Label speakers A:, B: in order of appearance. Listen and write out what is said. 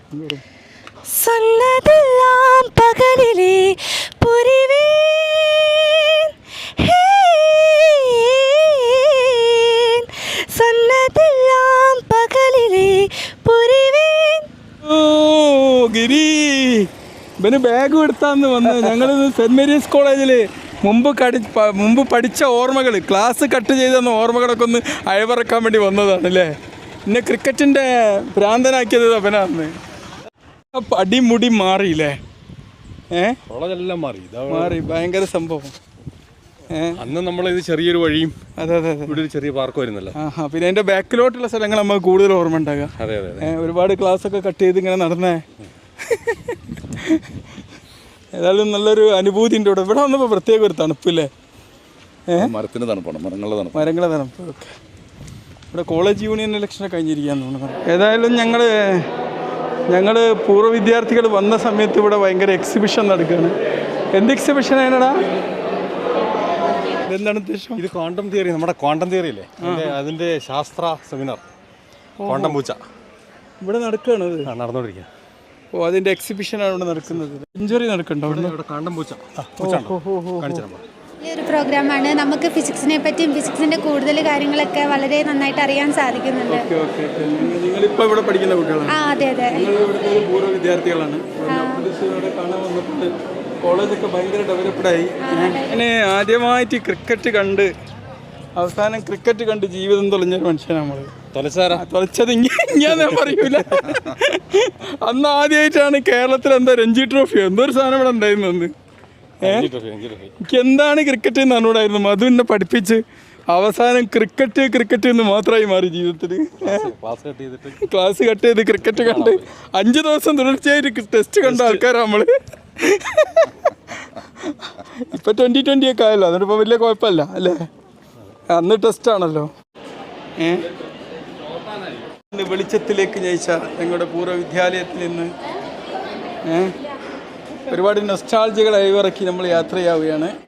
A: சொன்னதெல்லாம் பகலிலே புரிவேன், சொன்னதெல்லாம் பகலிலே புரிவேൻ.
B: ഓ ഗിരി ഇവന് ബാഗ് എടുത്താന്ന് വന്നത്. ഞങ്ങളിത് സെൻറ് മേരീസ് കോളേജിൽ മുമ്പ് പഠിച്ച ഓർമ്മകൾ, ക്ലാസ് കട്ട് ചെയ്തെന്ന ഓർമ്മകളൊക്കെ ഒന്ന് അയവിറക്കാൻ വേണ്ടി വന്നതാണ് അല്ലേ. പിന്നെ ക്രിക്കറ്റിൻ്റെ ഭ്രാന്തനാക്കിയത് അവനാന്ന്. അടിമുടി മാറിയില്ലേ?
C: കോളേജെല്ലാം
B: മാറി, ഭയങ്കര സംഭവം.
C: അന്ന് നമ്മളിത് ചെറിയൊരു വഴിയും
B: അതെ അതെ അതെ,
C: ഇവിടെ ഒരു ചെറിയ പാർക്ക് വരുന്നല്ലോ.
B: പിന്നെ അതിൻ്റെ ബാക്കിലോട്ടുള്ള സ്ഥലങ്ങൾ നമുക്ക് കൂടുതൽ ഓർമ്മ ഉണ്ടാകുക.
C: അതെ അതെ,
B: ഒരുപാട് ക്ലാസ്സൊക്കെ കട്ട് ചെയ്ത് ഇങ്ങനെ നടന്നേ. ഏതായാലും നല്ലൊരു അനുഭൂതി ഉണ്ട് ഇവിടെ. ഇവിടെ വന്നപ്പോൾ പ്രത്യേക ഒരു തണുപ്പില്ലേ?
C: മരത്തിൻ്റെ തണുപ്പാണ്,
B: മരങ്ങളുടെ തണുപ്പ്. ഓക്കെ, ഇവിടെ കോളേജ് യൂണിയൻ ഇലക്ഷനൊക്കെ കഴിഞ്ഞിരിക്കുകയെന്ന് തോന്നുന്നു. ഏതായാലും ഞങ്ങൾ പൂർവ്വ വിദ്യാർത്ഥികൾ വന്ന സമയത്ത് ഇവിടെ ഭയങ്കര എക്സിബിഷൻ നടക്കുകയാണ്. എന്ത് എക്സിബിഷനാണടാ? എന്താണ് ഉദ്ദേശം?
C: ഇത് ക്വാണ്ടം തിയറി, നമ്മുടെ ക്വാണ്ടം തിയറി അല്ലേ, അതിൻ്റെ ശാസ്ത്ര സെമിനാർ ക്വാണ്ടം പൂച്ച
B: ഇവിടെ നടക്കുകയാണ്. അത്
C: നടന്നുകൊണ്ടിരിക്കുക.
B: ഓ, അതിൻ്റെ എക്സിബിഷനാണ് ഇവിടെ നടക്കുന്നത്. സെഞ്ചുറി നടക്കുന്നുണ്ടോ ഇവിടെ?
C: ക്വാണ്ടം പൂച്ച
D: ഈ ഒരു പ്രോഗ്രാമാണ്. നമുക്ക് ഫിസിക്സിനെ പറ്റിയും ഫിസിക്സിൻ്റെ കൂടുതൽ കാര്യങ്ങളൊക്കെ വളരെ നന്നായിട്ട് അറിയാൻ സാധിക്കുന്നുണ്ട്.
B: നിങ്ങളിപ്പോൾ ഇവിടെ പഠിക്കുന്ന കുട്ടികളാണ്?
D: അതെ അതെ,
B: പൂർവ്വ വിദ്യാർത്ഥികളാണ്. കാണാൻ വന്നിട്ട് കോളേജൊക്കെ ഭയങ്കര ഡെവലപ്ഡായി. അങ്ങനെ ആദ്യമായിട്ട് ക്രിക്കറ്റ് കണ്ട് അവസാനം ക്രിക്കറ്റ് കണ്ട് ജീവിതം തൊലഞ്ഞൊരു മനുഷ്യനാണ് നമ്മൾ. തൊലച്ചത് ഞാൻ പറയൂല. അന്ന് ആദ്യമായിട്ടാണ് കേരളത്തിൽ എന്താ രഞ്ജി ട്രോഫിയോ എന്തോ ഒരു സാധനം ഇവിടെ ഉണ്ടായിരുന്നു അന്ന്. എനിക്ക് എന്താണ് ക്രിക്കറ്റ് എന്ന് അറിഞ്ഞൂടായിരുന്നു. മധു എന്നെ പഠിപ്പിച്ച് അവസാനം ക്രിക്കറ്റ് എന്ന് മാത്രമായി മാറി ജീവിതത്തിൽ. ക്ലാസ് കട്ട് ചെയ്ത് ക്രിക്കറ്റ് കണ്ട് 5 ദിവസം തുടർച്ചയായിട്ട് ടെസ്റ്റ് കണ്ട ആൾക്കാരാണ് നമ്മൾ. ഇപ്പം 2020 ഒക്കെ ആയല്ലോ, അതുകൊണ്ട് ഇപ്പോൾ വലിയ കുഴപ്പമില്ല അല്ലേ. അന്ന് ടെസ്റ്റാണല്ലോ. വെളിച്ചത്തിലേക്ക് ജയിച്ച ഞങ്ങളുടെ പൂർവ്വ വിദ്യാലയത്തിൽ നിന്ന് ഒരുപാട് നൊസ്റ്റാൾജികൾ അയവിറക്കി നമ്മൾ യാത്രയാവുകയാണ്.